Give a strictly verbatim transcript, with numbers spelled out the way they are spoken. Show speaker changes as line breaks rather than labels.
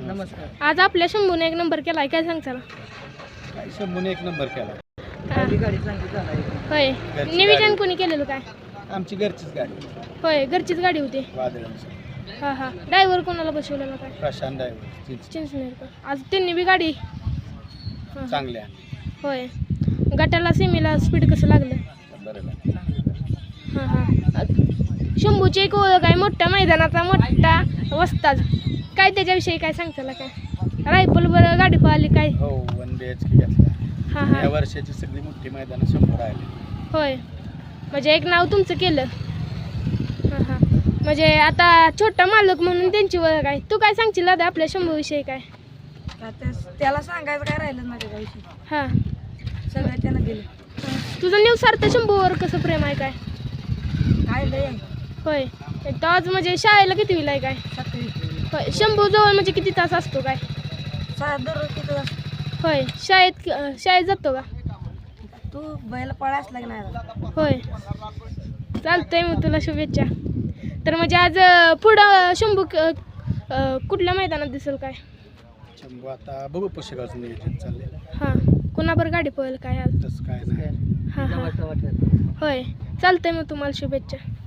नमस्कार.
आज आपल्या शंभूने एक नंबर केलाय, काय सांगताल?
काय शंभूने एक नंबर केला.
पहिली गाडी चांगली झाली.
होय,
घरची
नियोजन
गाडी.
कोणी केलेलं काय?
आमची घरचीच गाडी
होय, घरचीच गाडी होती.
वादळांची.
हां हां, ड्रायव्हर कोणाला बसवलेला काय?
प्रशांत ड्रायव्हर
चिंचनेरकर. आज त्यांनी बी गाडी हां, हां.
चांगल्या
होय, गटाला सेमीला स्पीड कसं लागलं?
बरोबर.
हां हां. शंभूची एक ओळख आहे, मोठ्या मैदानाचा मोठा वस्ताद. काय त्याच्याविषयी काय सांगताला काय? रायफल बरं गाडी पळाली काय?
हो वन बी एच के घेतला.
हां
या
हां.
वर्षाची सगळी मोठी मैदानं शंभर राहिली.
होय, म्हणजे एक नाव तुमचं केलं. हां हां. म्हणजे आता छोटा मालक म्हणून त्यांची ओळख आहे. तू काय सांगशील दादा आपल्या शंभूविषयी काय?
का त्या- त्याला सांगायचं काय राहिलं माझ्या गाडीशी.
हां
सगळं त्यानं दिलं.
हां. तुझं न्यूसार्थ शंभूवर कसं प्रेम आहे काय?
काय लय आहे.
होय, तर आज म्हणजे शाळेला कितवीला आहे काय?
सातवी.
होय, शंभू जवळ म्हणजे किती तास असतो काय?
सा दररोज तिथं असतो.
होय, शाळेत अं, शाळेत जातो का?
तू बैल पळायच लागणार.
होय, चालतंय मग तुला शुभेच्छा. तर म्हणजे आज अं, पुढं शंभू क- अं, कुठल्या मैदानात दिसेल काय?
शंभू आता बघू पुस्तकाचं नियोजन चाललंय.
हां, कुणाबर गाडी पळेल काय आज?
तसं काय नाही.
हां हां. होय, चालतंय मग तुम्हाला शुभेच्छा.